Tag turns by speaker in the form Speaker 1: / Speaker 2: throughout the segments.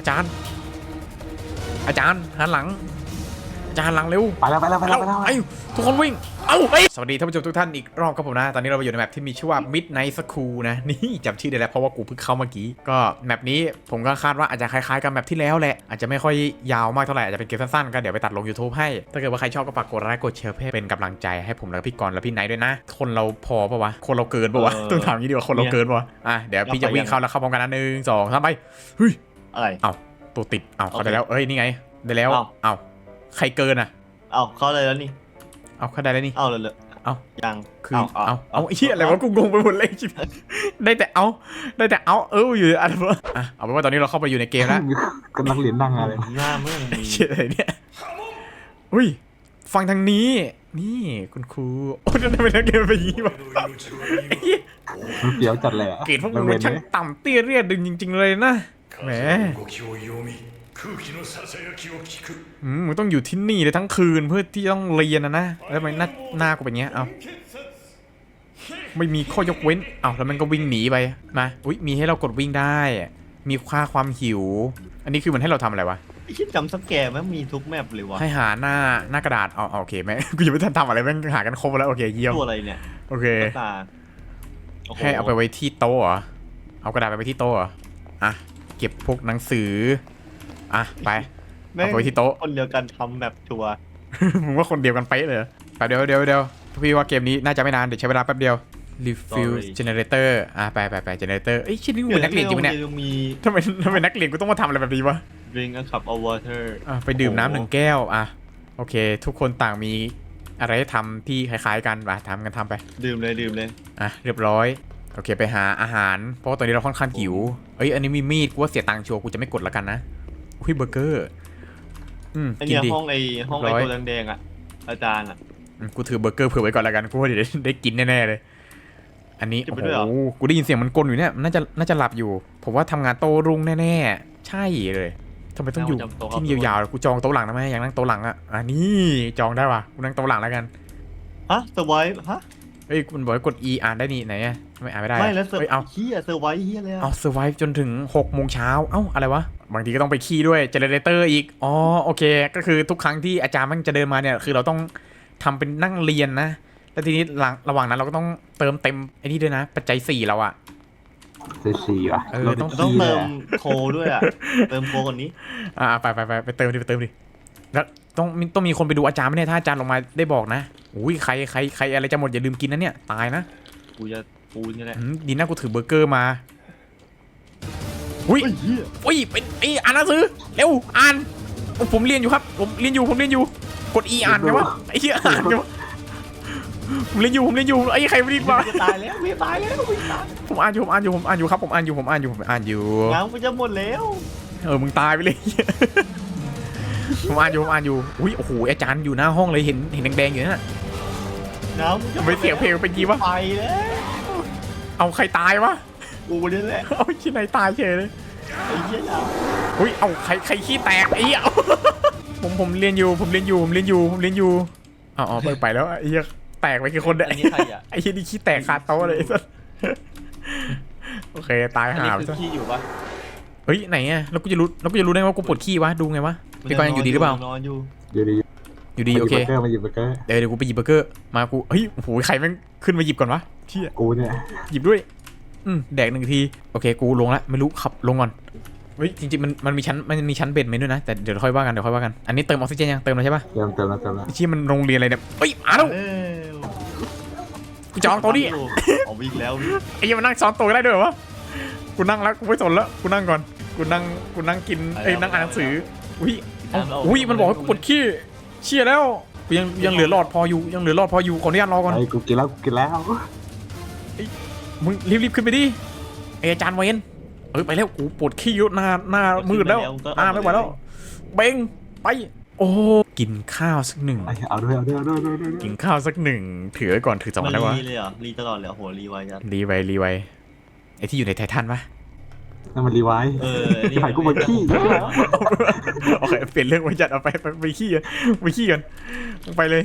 Speaker 1: อาจารย์หันหลังอาจารย์หลังเร็ว
Speaker 2: ไปแล้ว
Speaker 1: ไอ้ทุกคนวิ่งสวัสดีท่านผู้ชมทุกท่านอีกรอบครับผมนะตอนนี้เราอยู่ในแมปที่มีชื่อว่า Midnight School นะนี่จำชื่อได้แล้วเพราะว่ากูเพิ่งเข้าเมื่อกี้ก็แมปนี้ผมก็คาดว่าอาจจะคล้ายๆกับแมปที่แล้วแหละอาจจะไม่ค่อยยาวมากเท่าไหร่อาจจะเป็นเกมสั้นๆก็เดี๋ยวไปตัดลง YouTube ให้ถ้าเกิดว่าใครชอบก็ฝากกดไลค์กดแชร์เพื่อเป็นกำลังใจให้ผมและพี่กรณ์และพี่ไนท์ด้วยนะคนเราพอปะวะคนเราเกินปะวะต้องถามงี้ดีกว่าคนเราเกินปะวะเดี๋ยวพี่จะวิ่งเข้าแล้วเข้าพร้อมกันนะ1 2 3ไปเฮ้ย
Speaker 3: อะไร
Speaker 1: ตัวติดเข้าได้แล้วนี่ไงได้แล้วใครเกิน
Speaker 3: เข้าเลยแล้วนี่
Speaker 1: เข้าได้แล้วนี่
Speaker 3: เลยยัง
Speaker 1: คือไอ้เหี้ยอะไรวะกูงงไปหมดเลยชิบได้แต่อยู่อะไรวะเอาเป็นว่าตอนนี้เราเข้าไปอยู่ในเกมแล้ว
Speaker 2: กำลังเรียนดังอะไร
Speaker 3: หน้าเมื่อมี
Speaker 1: เชี่ยอะไรเนี่ยอุ้ยฟังทางนี้นี่คุณครูจะได้ไปนักเรียนไปยี่วะ
Speaker 2: มันเสียวจัดเลย
Speaker 1: เกรดพวกมึงช่างต่ำเตี้ยเรียดดึงจริงๆเลยนะแหมมึงต้องอยู่ที่นี่เลยทั้งคืนเพื่อที่ต้องเรียนนะแล้วทำไมหน้ากูเป็นเงี้ยไม่มีข้อยกเว้นแล้วมันก็วิ่งหนีไปมามีให้เรากดวิ่งได้มีค่าความหิวอันนี้คือมันให้เราทำอะไรวะ
Speaker 3: คิดจำสแกร์แม่งมีทุกแมปเลยวะ
Speaker 1: ให้หาหน้ากระดาษโอเคแม่กูยังไม่ทันทำอะไรแม่งหากันครบแล้วโอเคเยี่ยม
Speaker 3: ตัวอะไรเนี่ย
Speaker 1: โอเคให้เอาไปไว้ที่โต๊ะเหรอเอากระดาษไปไว้ที่โต๊ะเหรอเก็บพวกหนังสือไปเอาไปที่โต๊ะ
Speaker 3: คนเดียวกันทำแบบทัวร์
Speaker 1: มึงว่าคนเดียวกันเป๊ะเลยแป๊บเดียวพี่ว่าเกมนี้น่าจะไม่นานเดี๋ยวใช้เวลาแป๊บเดียว refill generator ไป generator ชิ้นนี้มึงนักเรียนจริงไหมเนี่ยทำไมนักเรียนกูต้องมาทำอะไรแบบนี้วะ
Speaker 3: drink a cup of water
Speaker 1: ไปดื่มน้ำ1 แก้วโอเคทุกคนต่างมีอะไรให้ทำที่คล้ายๆกันทำไป
Speaker 3: ดื่มเลย
Speaker 1: เรียบร้อยโอเคไปหาอาหารเพราะว่าตอนนี้เราค่อนข้างหิวอันนี้มีมีดกูว่าเสียตังค์ชัวร์กูจะไม่กดแล้วกันนะเบอร์เกอร์
Speaker 3: กินดิห้องไอ้ตัวแดงอาจารย์
Speaker 1: กูถือเบอร์เกอร์เผื่อไว้ก่อนแล้วกันกูว่าเดี๋ยวได้กินแน่ๆเลยอันนี้โอ้โหกูได้ยินเสียงมันกลอยู่เนี่ยน่าจะหลับอยู่ผมว่าทำงานโต๊ะรุ่งแน่ๆใช่เลยทำไมต้องอยู่ที่นี่ยาวๆกูจองโต๊ะหลังนะแม่อยากนั่งโต๊ะหลังนี่จองได้ว่ะกูนั่งโต๊ะหลังแล้วกัน
Speaker 3: เซอร์ไวฟ์
Speaker 1: คุณบอกให้กด E อ่านได้นี่ไหนไม่อ่านไม่ได้
Speaker 3: ไม่แล้วเซอร์ไวฟ์เลย
Speaker 1: เซอร์ไวฟ์จนถึง6 โมงเช้าอะไรวะบางทีก็ต้องไปขี้ด้วยเจเนเรเตอร์อีกโอเคก็คือทุกครั้งที่อาจารย์มันจะเดินมาเนี่ยคือเราต้องทำเป็นนั่งเรียนนะแล้วทีนี้ระหว่างนั้นเราก็ต้องเติมเต็มไอ้นี่ด้วยนะปัจจัย4เรา
Speaker 2: 4
Speaker 3: เราต้องเติมโคด้วยเติมโคคนนี้
Speaker 1: ไปเติมดิแล้วต้องมีคนไปดูอาจารย์ไหมเนี่ยถ้าอาจารย์ลงมาได้บอกนะใครอะไรจะหมดอย่าลืมกินนะเนี่ยตายนะ
Speaker 3: กูนี่แหละ
Speaker 1: ดีนะกูถือเบอร์เกอร์มาเป็นอ่านหนังสือเร็วอ่านผมเรียนอยู่ครับผมเรียนอยู่กด E อ่านไงวะไอ้เหี้ยอ่านไงวะผมเรียนอยู่ไอ้ใครไม่รีบมา
Speaker 3: ตายแล้ว
Speaker 1: ผมอ่านอยู่ครับผมอ่านอยู่
Speaker 3: น้ำมันจะหมดแล้ว
Speaker 1: มึงตายไปเลยผมอ่านอยู่โอ้โหอาจารย์อยู่หน้าห้องเลยเห็นแดงๆอยู่นั่นน่ะ
Speaker 3: น้ำ
Speaker 1: ไม่เสียงเพลงเป็นกี่วะ
Speaker 3: ไปแล้ว
Speaker 1: เอาใครตายวะ
Speaker 3: กูนี่แหละ
Speaker 1: ที่ไหนตายเฉยเลย
Speaker 3: ไอ้เหี้ย
Speaker 1: เอาใครขี้แตกไอ้เหี้ยผมเรียนอยู่ไปแล้วไอ้เหี้ยแตกไปกี่คนเนี่ยไอ้เหี้ยนี่ขี้แตกคาโต๊ะเลยโอเคตายหา
Speaker 3: ขี้อยู่ปะ
Speaker 1: ไหนแล้วกูจะรู้ได้ว่ากูปวดขี้วะดูไงวะพี่กรณ์อยู่ดีหรือเปล่าอยู่ดีโอเค
Speaker 2: มาหยิบเบอร์เกอร์
Speaker 1: เดี๋ยวกูไปหยิบเบอร์เกอร์มากูโอ้โหใครแม่งขึ้นมาหยิบก่อนวะเชี่ย
Speaker 2: กูเนี่ย
Speaker 1: หยิบด้วยแดก1 ทีโอเคกูลงละไม่รู้ขับลงก่อนจริงๆมันมีชั้นเบสเมนต์ด้วยนะแต่เดี๋ยวค่อยว่ากันอันนี้เติมออกซิเจนยังเติมแล้วใช่ปะ
Speaker 2: เติมแล้ว
Speaker 1: ที่มันโรงเรียนอะไรเนี่ยมาแล้วกูจองโต๊ะดิ
Speaker 3: วิ่งแล้ว
Speaker 1: ไอ้ยังมันนั่งซ้อนโต๊ะได้ด้วยวะกูนั่งแล้วกูไม่สนแล้วกูนั่งก่อนกูนั่งกินนั่งอ่านหนังสือมันบอกให้กูปวดขี้เชี่ยแล้วยังเหลือหลอดพออยู่ขออนุญาตรอก่อน
Speaker 2: กูกินแล้ว
Speaker 1: มึงรีบขึ้นไปดิอาจารย์เวนไปแล้วกูปวดขี้เยอะหน้ามืดแล้วไม่ไหวแล้วเบ่งไปกินข้าวสัก1
Speaker 2: เอาด้วย
Speaker 1: กินข้าวสัก1ถือไว้ก่อนถือ2ได้วะ
Speaker 3: รีตลอดเลยโหรีไวจัง
Speaker 1: รีไวไอ้ที่อยู่ในไททันปะ
Speaker 2: นั่นมันรีไวที่หายกูมาขี้
Speaker 1: โอเคเปลี่ยนเรื่องไว้จัดเอาไปขี้กันไปเลย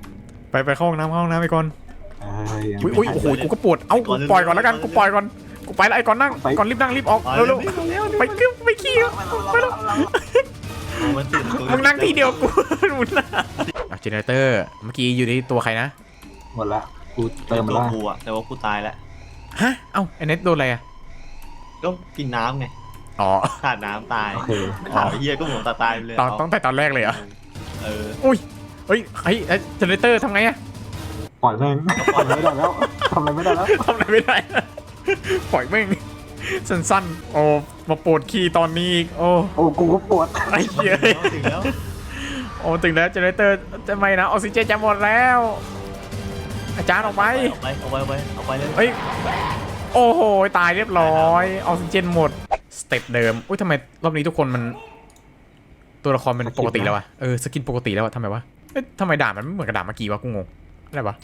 Speaker 1: ไปเข้าห้องน้ำไปก่อนโอ้โหกูก็ปวดกูปล่อยก่อนแล้วกันกูปไปแล้วไอ้ก่อนนั่งก่อนรีบนั่งรีบออกเร็วๆไปกึ๊บไปขี้ไปแล้ว
Speaker 3: มันติด
Speaker 1: มึงนั่งที่เดียวกูมึงนะเจเนเรเตอร์เมื่อกี้อยู่ในตัวใครนะ
Speaker 2: หมดละกูเติมมา
Speaker 3: ตัว
Speaker 2: แล้ว
Speaker 3: กูอะแต่ว่ากูตายแล้ว
Speaker 1: ฮะเอ้าไอ้เน็ตโดนอะไรอะ
Speaker 3: ก็กินน้ำไง
Speaker 1: อ๋อ
Speaker 3: ขาดน้ำตาย
Speaker 2: โอเค
Speaker 3: ถามไอ้เฮียก็หมดตายไปเลย
Speaker 1: ต้องแต่ตอนแรกเลยเหรอ
Speaker 3: เออ
Speaker 1: อุ้ยเฮ้ยเจเนเรเตอร์ทำไงอะ
Speaker 2: ปล่อยแม่งปล่อยไม่ได้แล้วทำอะไรไม่ได้แล้ว
Speaker 1: ทำอะไรไม่ได้ปล่อยแม่งสั้นๆโอ้มาปวดขี้ตอนนี้อีกโอ้
Speaker 2: โอ้กูก็ปวด
Speaker 1: ไอ้เหี้ย
Speaker 3: ถึงแล้ว
Speaker 1: โอ้ถึงแล้วเจเนเรเตอร์จะไม่นะออกซิเจนจะหมดแล้ว อาจารย์ออกไป
Speaker 3: เอาไปเลย
Speaker 1: เฮ้ยโอ้โหตายเรียบร้อยออกซิเจนหมดสเต็ปเดิมอุ้ยทำไมรอบนี้ทุกคนมันตัวละครเป็นปกติแล้ววะสกินปกติแล้ววะทำไมวะเอ๊ะทำไมด่ามันไม่เหมือนกับด่าเมื่อกี้วะกูงงอะไรวะ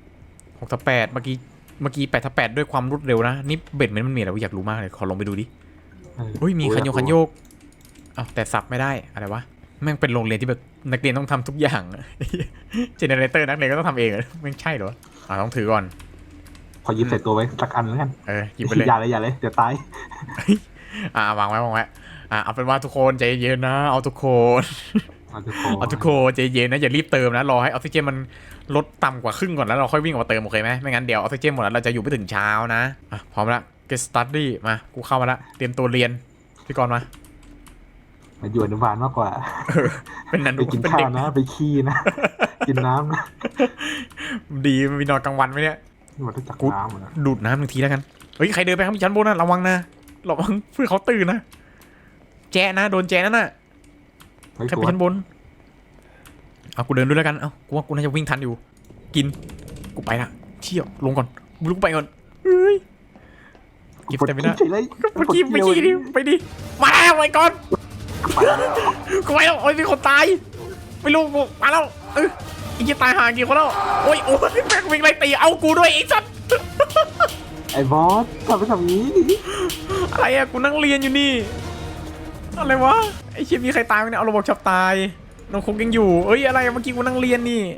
Speaker 1: 6/8เมื่อกี้8/8ด้วยความรวดเร็วนะนี่เบ็ดมันมีอะไรวะอยากรู้มากเลยขอลงไปดูดิอุ้ยมีคันโยกอ้าวแต่สับไม่ได้อะไรวะแม่งเป็นโรงเรียนที่แบบนักเรียนต้องทำทุกอย่างเจเนเรเตอร์นักเรียนก็ต้องทำเองแม่งใช่เหรอต้องถือก่อน
Speaker 2: ขอยึดใส่ตัวไว้สักอันแล้วกัน
Speaker 1: หยิบไปเลย
Speaker 2: อย่าเลยเดี๋ยวตายว
Speaker 1: างไว้เอาเป็นว่าทุกคนใจเย็นนะเอาทุกคน
Speaker 2: เอาทุกคน
Speaker 1: ใจเย็นนะอย่ารีบเติมนะรอให้ออกซิเจนมันลดต่ำกว่าครึ่งก่อนแล้วเราค่อยวิ่งออกมาเติมโอเคไหมไม่งั้นเดี๋ยวออกซิเจนหมดแล้วเราจะอยู่ไม่ถึงเช้านะพร้อมละ get study มากูเข้ามาละเตรียมตัวเรียนพี่กรณ์มา
Speaker 2: มาอยู่อนุบาลมากกว่า
Speaker 1: เป็นนัน
Speaker 2: ไป
Speaker 1: ดู
Speaker 2: กิน
Speaker 1: เป็น
Speaker 2: ข้า
Speaker 1: เด็
Speaker 2: ว
Speaker 1: ก
Speaker 2: นะไปขี้นะ กินน้ำนะ
Speaker 1: ดีมีนอนกลางวันไหมเนี่ย
Speaker 2: หมดจากน้ำหมดแล้ว
Speaker 1: ดูดน้ำหนึ่งทีแล้วกันเฮ้ยใครเดินไปข้างชั้นบนนะระวังนะระวังเพื่อเขาตื่นนะแจ๊นะโดนแจ๊นั่นน่ะ
Speaker 2: เฮ้ย
Speaker 1: ใคร
Speaker 2: ตั
Speaker 1: ไป
Speaker 2: ว
Speaker 1: ชั้นบนเอากูเดินด้วยแล้วกันเอากูว่ากูน่าจะวิ่งทันอยู่กินกูไปละเชี่ยวลงก่อนกูลุกไปก่อนเฮ้ยกิฟต์แต่ไม่ได้
Speaker 2: เฉยเลย
Speaker 1: ไปขี้ดิไปดิมาแล้วไอ้ก่อนกูไปแล้วโอ้ยมีคนตายไม่รู้กูมาแล้วไอ้ยี่ตายห่างกี่คนแล้วโอ้ยแม่งวิ่งไล่ตีเอากูด้วยไอ้สัตว์
Speaker 2: ไอ้บอสทำไปทำนี้
Speaker 1: อะไรอะกูนั่งเรียนอยู่นี่อะไรวะไอ้เชี่ยมีใครตายไหมเนี่ยเอาระบบชับตายน้องคงยังอยู่เอ้ยอะไรเมื่อกี้กูนั่งเรียนนี่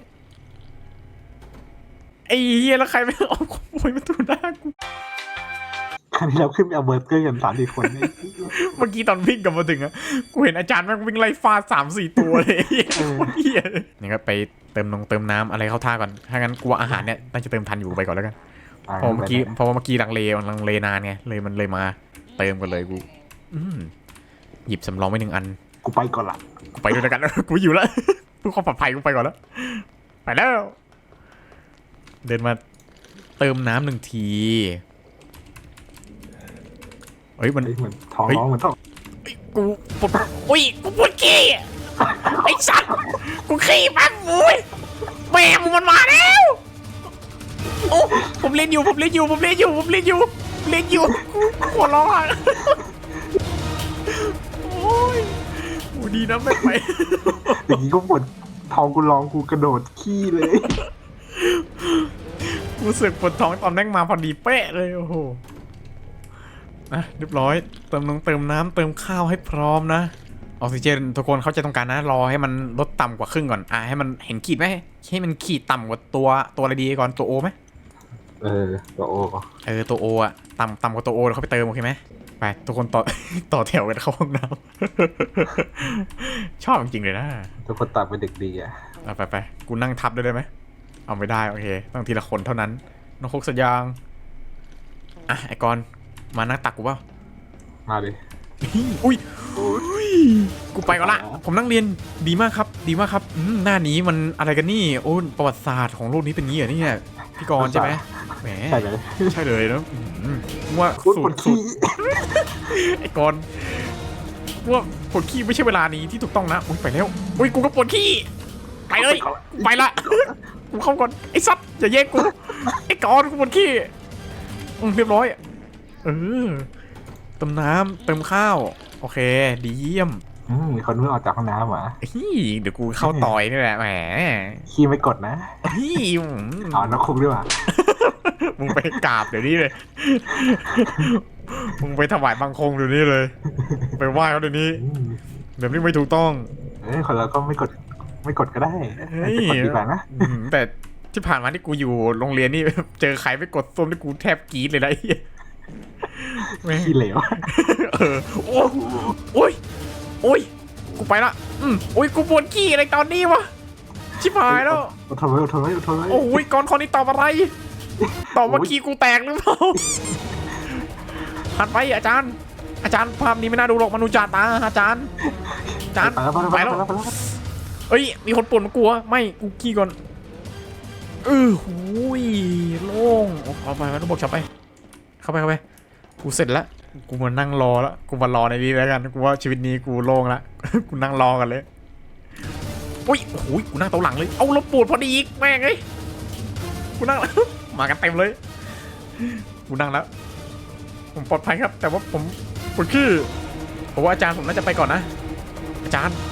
Speaker 1: ไอ้เฮียแล้วใครไม่เอาโวยมาตูหน้ากู
Speaker 2: ครั้งที่เราขึ้นไปเอาเบอร์เกอร์กัน3-4 คนนี่
Speaker 1: เมื่อกี้ตอนวิ่งกลับมาถึงอะกูเห็นอาจารย์แม่งวิ่งไล่ฟาด3-4 ตัวเลยเฮียนี่ก็ไปเติมน้ำอะไรเข้าท่าก่อนถ้างั้นกูว่าอาหารเนี่ยน่าจะเติมทันอยู่ไปก่อนแล้วกันเพราะเมื่อกี้ลังเลนานไงเลยมาเติมกันเลยกูหยิบสำรองไว้1 อัน
Speaker 2: กูไปก่อนละ
Speaker 1: กูไปด้วยกันกูอยู่แล้วเพื่อความปลอดภัยกูไปก่อนแล้วไปแล้วเดินมาเติมน้ำ1 ทีเฮ้ยมัน
Speaker 2: เหมือนท้องร้องเหมือนท้อง
Speaker 1: กูปวดกูปวดขี้ไอ้สัตว์กูขี้ปั๊บมุ้ยแม่มึงมันมาแล้วโอ้ผมเล่นอยู่หัวร้อน โอ้ยกูดีนะไม่ไป
Speaker 2: อย่างนี้ก็ปวดท้องกูร้องกูกระโดดขี้เลย
Speaker 1: กูเสือกปวดท้องตอนแม่งมาพอดีเป๊ะเลยโอ้โหเรียบร้อยเติมน้ำเติมข้าวให้พร้อมนะออกซิเจนทุกคนเข้าใจตรงกันนะรอให้มันลดต่ำกว่าครึ่งก่อนให้มันเห็นขีดไหมให้มันขีดต่ำกว่าตัวอะไรดีก่อนตัวโอไหม
Speaker 2: ตัวโอ
Speaker 1: ตัวโออะต่ำกว่าตัวโอแล้วเขาไปเติมโอเคไหมไปทุกคนต่อ ต่อแถวกันเข้าห้องน้ำ ชอบจริงๆเลยนะ
Speaker 2: ทุกคนตัดเป็นเด็กดีอ่ะ
Speaker 1: ไปกูนั่งทับได้ไหมเอาไม่ได้โอเคต้องทีละคนเท่านั้นน้องคกสัญญางไอ้กรมานั่งตักกูเปล่า
Speaker 2: มาดิ
Speaker 1: อุ้ยกูไปก่อนละผมนั่งเรียนดีมากครับหน้านี้มันอะไรกันนี่โอ้ประวัติศาสตร์ของโลกนี้เป็นงี้เหรอเนี่ยพี่กรใช่ไหมแหมใช่เลยนะว่าสูตรไอ้กรว่าปวดขี้ไม่ใช่เวลานี้ที่ถูกต้องนะอุ้ยไปแล้วอุ้ยกูก็ปวดขี้ไปเลยไปละกูเข้าก่อนไอ้ซัดอย่าแยกกูไอ้กรกูปวดขี้เรียบร้อยเติมน้ำเติมข้าวโอเคดีเยี่ยม
Speaker 2: มีคนเพิ่งออกจากห้องน้ำเหรอ
Speaker 1: เดี๋ยวกูเข้าต่อยนี่แหละแหม
Speaker 2: ขี้ไม่กดนะนักคุกด้วยว่ะ
Speaker 1: มึงไปกราบเดี๋ยวนี้เลยมึงไปถวายบังคงเดี๋ยวนี้เลยไปไหว้เขาเดี๋ยวนี้แบบนี้ไม่ถูกต้อง
Speaker 2: คนเราก็ไม่กดก็ได้ไม่กดดีกว่านะ
Speaker 1: แต่ที่ผ่านมาที่กูอยู่โรงเรียนนี่เจอใครไม่กดส้มที่กูแทบกรี๊ดเลยนะแม่ง
Speaker 2: ขี้เหลว
Speaker 1: โอ้โอ้ยโอ้ยกูไปละโอ้ยกูปวดขี้อะไรตอนนี้วะชิบหายแล้ว
Speaker 2: อดทนไว้อดทนไว้อดทนไว้
Speaker 1: โอ้ยก่อนคนนี้ตอบอะไรตอบว่าขี้กูแตกหรือเปล่าหันไปอาจารย์ภาพนี้ไม่น่าดูหรอกมนุษย์จ่าตาอาจารย์ไปแล้วเอ้ยมีคนป่วนมากลัวไม่กูขี้ก่อนหูยโล่งเอาไปต้องบอกฉับไปเข้าไปกูเสร็จแล้วกูมานั่งรอแล้วกูมารอในนี้แล้วกันกูว่าชีวิตนี้กูโล่งละ กูนั่งรอกันเลยอุ้ยโอ้ยกูนั่งโต๊ะหลังเลยเอาแล้วปวดพอดีอีกแม่งเอ้ยกูนั่ง มากันเต็มเลยกูนั่งแล้วผมปลอดภัยครับแต่ว่าผมปวดขี้ผมว่าอาจารย์ผมน่าจะไปก่อนนะอาจารย์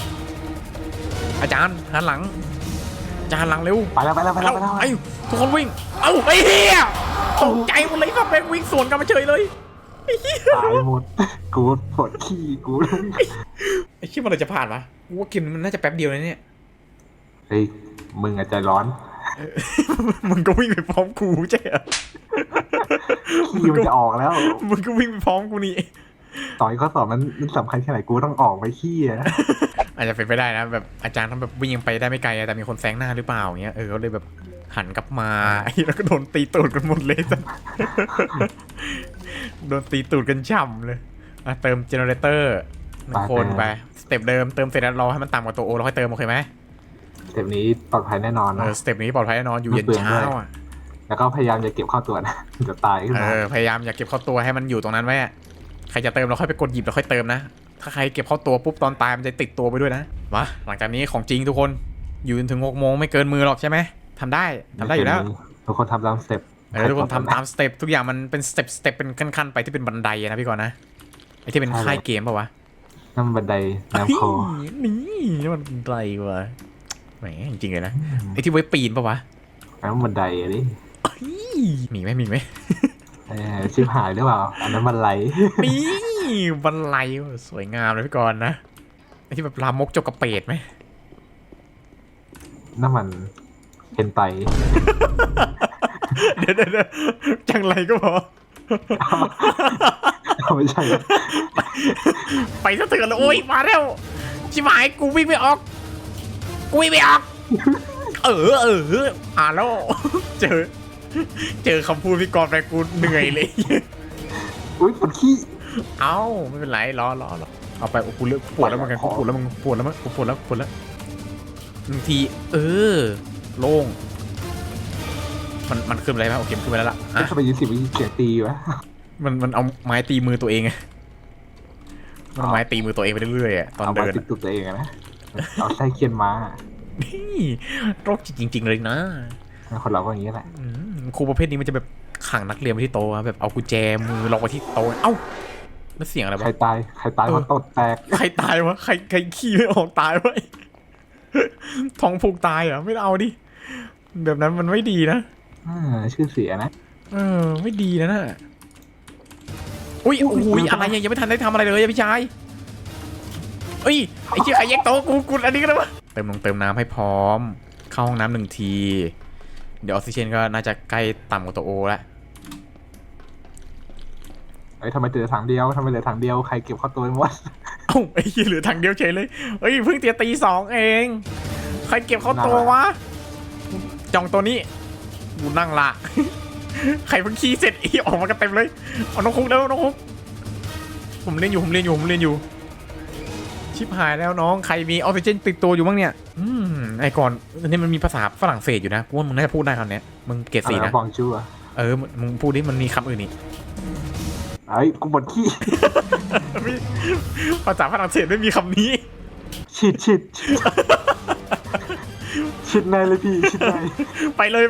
Speaker 1: หันหลังอาจารย์หลังเร็ว
Speaker 2: ไปแล้ว
Speaker 1: ไอ้ทุกคนวิ่งเอ้าไอ้เหี้ยตกใจหมดเลยครับแม่งวิ่งสวนกันมาเฉยเลยไอ้เหี้ย
Speaker 2: ตายหมดกูปวดขี้กู
Speaker 1: ไอ้เหี้ยมันจะผ่านปะกูว่าเกมมันน่าจะแป๊บเดียวเลยเนี่ย
Speaker 2: เฮ้ยมึงอาจจะร้อน
Speaker 1: มึงก็วิ่งไปพร้อมกูใช่เหรอ
Speaker 2: ขี้มันจะออกแล้ว
Speaker 1: มึงก็วิ่งไปพร้อมกูนี่
Speaker 2: ต่อยข้อสอบมันสำคัญแค่ไหนกูต้องออกไปขี้อะ
Speaker 1: อาจจะเป็นไปได้นะแบบอาจารย์ทำแบบวิ่งไปได้ไม่ไกลแต่มีคนแซงหน้าหรือเปล่าอย่างเงี้ยก็เลยแบบหันกลับมาแล้วก็โดนตีตูดกันหมดเลยจ้ะ โดนตีตูดกันฉ่ำเลยเติมเจเนเรเตอร์1 คนไปสเต็ปเดิมเติมเสร็จแล้วรอให้มันต่ำกว่าตัวโอเราค่อยเติมโอเคไหม
Speaker 2: สเต็ปนี้ปลอดภัยแน่นอนนะ
Speaker 1: สเต็ปนี้ปลอดภัยแน่นอนอยู่เย็นเช้าอ่ะ
Speaker 2: แล้วก็พยายามจะเก็บเข้าตัวนะ จะตายขึ้นมา
Speaker 1: พยายามอย่าเก็บเข้าตัวให้มันอยู่ตรงนั้นไว้ใครจะเติมเราค่อยไปกดหยิบเราค่อยเติมนะถ้าใครเก็บเข้าตัวปุ๊บตอนตายมันจะติดตัวไปด้วยนะมาหลังจากนี้ของจริงทุกคนอยู่จนถึง6 โมงไม่เกินมือหรอกใช่ไหมทำได้อยู่แล้ว
Speaker 2: ทุกคนทำตามสเต็ป
Speaker 1: ทุกคนทำตามสเต็ปทุกอย่างมันเป็นสเต็ปเป็นขั้นๆไปที่เป็นบันไดนะพี่ก่อนนะไอ้ที่เป็นค่ายเกมป่าวะ
Speaker 2: น้ำบันไดน้ำคอ
Speaker 1: นี่มันบันไดวะแหมจริงๆเลยนะไอ้ที่ไว้ปีนป่าวะ
Speaker 2: น้ำบันไดดิ
Speaker 1: มีไหม
Speaker 2: ชิบหายหรือเปล่าอันนั้นบันได
Speaker 1: นี่บันไดสวยงามเลยพี่ก่อนนะไอ้ที่แบบลามกจกกระเปดไหม
Speaker 2: น้ำมันเห็นไต
Speaker 1: เดี๋ยวจังไรก็พอ
Speaker 2: ไม่ใช่
Speaker 1: ไปซะเถื่อนเลยโอ้ยมาแล้วชิบหายกูวิ่งไม่ออกแล้วเจอคำพูดพี่กรณ์ไปกูเหนื่อยเลย
Speaker 2: อุ้ยปวดขี้
Speaker 1: เอ้าไม่เป็นไรรอเอาไปกูเลือกปวดแล้วเหมือนกันกูปวดแล้วบางทีโล่งมันขึ้นอะไรไหมโอเคมันขึ้นไปแล้วล่ะ
Speaker 2: ทำไม20 วิเกียตีวะ
Speaker 1: มันเอาไม้ตีมือตัวเองไงมันเอาไม้ตีมือตัวเองไปเรื่อยๆตอน
Speaker 2: เอา
Speaker 1: เดิ
Speaker 2: มาน ติดตุกตัวเองนะเอาไส้เคียนม้า
Speaker 1: นี่โรคจิตจริงๆเลยนะ
Speaker 2: คนเราก็อย่างนี้แหละ
Speaker 1: ครูประเภทนี้มันจะแบบขังนักเรียนไว้ที่โต๊ะแบบเอากุญแจมือล็อกไว้ที่โต๊ะเอ้าแล้วเสียงอะไรวะ
Speaker 2: ใครตายเพราะตดแตก
Speaker 1: ใครตายวะใครขี้ไม่ออกตายวะท้องผูกตายเหรอไม่เอาดิแบบนั้นมันไม่ดีนะ
Speaker 2: ชื่อเสียนะ
Speaker 1: ไม่ดีนะน่ะอุ้ยอะไรยังไม่ทันได้ทำอะไรเลยพี่ชายไอ้เชี่ยใครแยกโต๊ะกูอันนี้ก็ได้วะเติมน้ำให้พร้อมเข้าห้องน้ำ1 ทีเดี๋ยวออกซิเจนก็น่าจะใกล้ต่ำกว่าตัวโอแล้ว
Speaker 2: ทำไมเหลือถังเดียวใครเก็บเข้าตัวหมด
Speaker 1: เอ้าไอ้เหี้ยเหลือถังเดียวเฉยเลยเฮ้ยเพิ่งตี 2 เองใครเก็บเข้าตัววะจองตัวนี้กูนั่งละ ใครเพิ่งขี้เสร็จออกมากันเต็มเลยเอาน้องคุกแล้วน้องคุกผมเล่นอยู่ชิบหายแล้วน้องใครมีออกซิเจนติดตัวอยู่บ้างเนี่ยไอ้ก่อนอันนี้มันมีภาษาฝรั่งเศสอยู่นะกูว่ามึงน่าจะพูดได้คำนี้มึงเกรด 4นะ
Speaker 2: บองจูอ่ะ
Speaker 1: มึงพูดดิมันมีคำอื่นนี่
Speaker 2: ไอ้กูปวดขี้
Speaker 1: ภาษาฝรั่งเศสไม่มีคำนี้
Speaker 2: ชิดในเลยพี่ชิดใน
Speaker 1: ไปเลย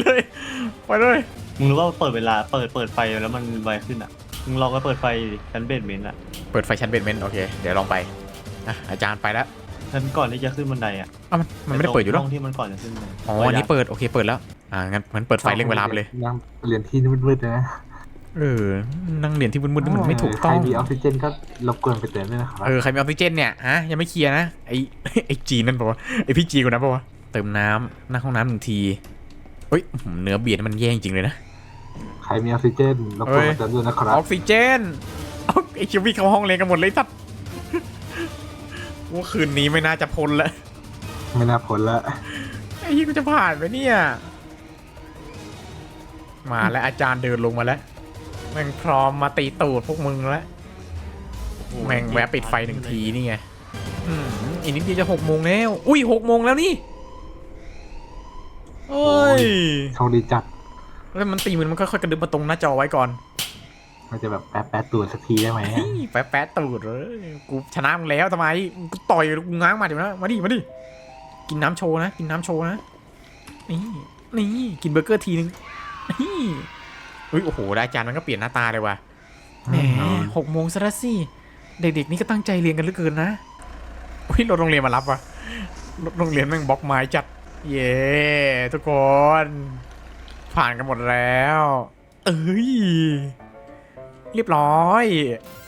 Speaker 3: มึงรู้ว่าเปิดเวลาเปิดไฟแล้วมันไวขึ้นอ่ะมึงลองไปเปิดไฟชั้นเบสเมนต์อ่ะ
Speaker 1: เปิดไฟชั้นเบสเมนต์โอเคเดี๋ยวลองไปอาจารย์ไปแล้ว
Speaker 3: ชั้นก่อนที่จะขึ้นบันไดอ่ะ
Speaker 1: มันไม่ได้เปิดอยู่หรอ
Speaker 3: ห้องที่มันก่อนจะขึ้นบันได
Speaker 1: อันนี้เปิดโอเคเปิดแล้วงั้นเปิดไฟเร่งเวลาไปเลย
Speaker 2: ยังเรียนที่มืดๆนะ
Speaker 1: นั่งเรียนที่มืดๆนี่มันไม่ถูกต้อง
Speaker 2: ใครมีออกซิเจนก็รบกวนไปเติมด้วยนะครับ
Speaker 1: ใครมีออกซิเจนเนี่ยยังไม่เคลียร์นะไอ้จีนั่นปะวะไอ้พี่จีคนนั้นปะวะเติมน้ำหน้าห้องน้ำ1 ทีเฮ้ยเนื้อเบียดมันแย่จริงเลยนะ
Speaker 2: ใครมีออกซิเจนรบกวนมาเติมด้วยนะค
Speaker 1: อ
Speaker 2: รับ
Speaker 1: อกซิเจนเอาไอคิววี่เข้าห้องเรียนกันหมดเลยสัตว์ว่าคืนนี้ไม่น่าจะพ้นแล้ว
Speaker 2: ไม่น่าพ้นละ
Speaker 1: ไอ้ยี่กูจะผ่านไหมเนี่ยมาแล้วอาจารย์เดินลงมาแล้วแม่งพร้อมมาตีตูดพวกมึงแล้วแม่งแวะปิดไฟหนึ่งทีนี่ไงอีกนิดเดียวจะ6 โมงแล้วอุ้ย6 โมงแล้วนี่เอ้ย
Speaker 2: โชคดีจัด
Speaker 1: แล้วมันตีมันค่อยๆกระดึบมาตรงหน้าจอไว้ก่อน
Speaker 2: มันจะแบบแปะตัวสักทีได้ไหม
Speaker 1: แป๊ะตูดเลยกูชนะมึงแล้วทำไมกูต่อยกูง้างมาเดี๋ยวนะมาดิกินน้ำโชว์นะกินน้ำโชว์นะนี่กินเบอร์เกอร์ทีนึงนี่อุ้ยโอ้โหได้อาจารย์มันก็เปลี่ยนหน้าตาเลยว่ะแหม6 โมงซะแล้วสิเด็กๆนี่ก็ตั้งใจเรียนกันเหลือเกินนะอุ้ยรถโรงเรียนมารับว่ะรถโรงเรียนแม่งบล็อกไม้จัดเย้ทุกคนผ่านกันหมดแล้วเอ้ยเรียบร้อย